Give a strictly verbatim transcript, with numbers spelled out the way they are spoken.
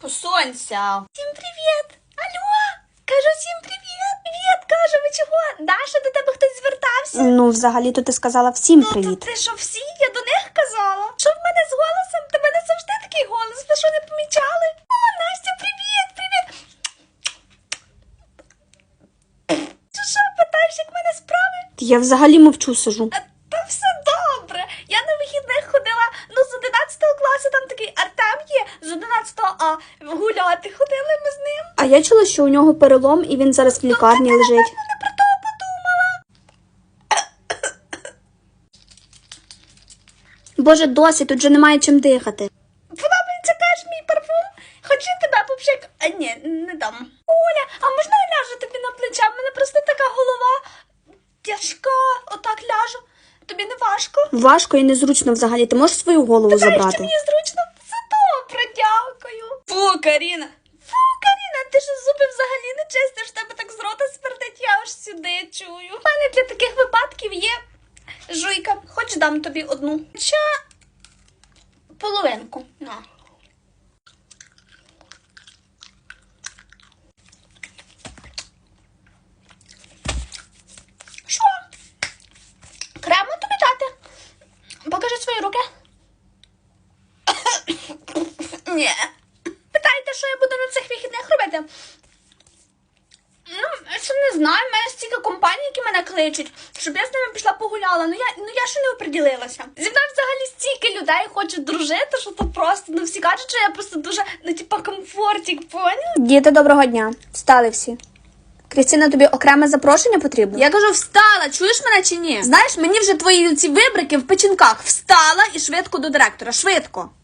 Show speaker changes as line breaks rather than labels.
Посунься. Всім привіт. Алло. Кажу всім привіт. Привіт, кажу, ви чого? Даша, до тебе хтось звертався?
Ну, взагалі-то ти сказала всім
Ну,
привіт.
то ти що, всі? Я до них казала. Що в мене з голосом? Тебе не завжди такий голос. Ви що, не помічали? О, Настя, привіт, привіт. Що, що, питаєш, як в мене справи?
Я взагалі мовчу сижу.
А, та все добре. Я на вихідних ходила, ну, з одинадцятого класу, там такий Артем є, з одинадцятого А. Гуляти ходили ми з ним.
А я чула, що у нього перелом і він зараз в лікарні лежить.
Я не про то подумала.
Боже, досить, тут же немає чим дихати.
Подобається теж мій парфум? Хочу тебе попшик. А ні, не дам. Оля, а можна я ляжу тобі на плече? В мене просто така голова тяжка. Отак ляжу. Тобі не важко?
Важко і незручно взагалі. Ти можеш свою голову
Знаєш, що
забрати?
мені зручно? Це добре, дякую. Фу, Каріна. Фу, Каріна, ти ж зуби взагалі не чистиш, в тебе так з рота смердить, я аж сюди чую. У мене для таких випадків є жуйка. Хоч дам тобі одну. Хоча половинку. На. Що? Крему тобі дати? Покажи свої руки. Ні. Питаєте, що я буду на цих вихідних робити? Ну, я ще не знаю, в мене стільки компаній, які мене кличуть, щоб я з ними пішла погуляла. Ну я, ну я ще не оприділилася. Зі мною взагалі стільки людей хочуть дружити, що то просто, ну всі кажуть, що я просто дуже, ну типа комфортик, поняла?
Діти, доброго дня. Встали всі. Крістіна, тобі окреме запрошення потрібно?
Я кажу, встала, чуєш мене чи ні? Знаєш, мені вже твої ці вибрики в печінках. Встала і швидко до директора, швидко.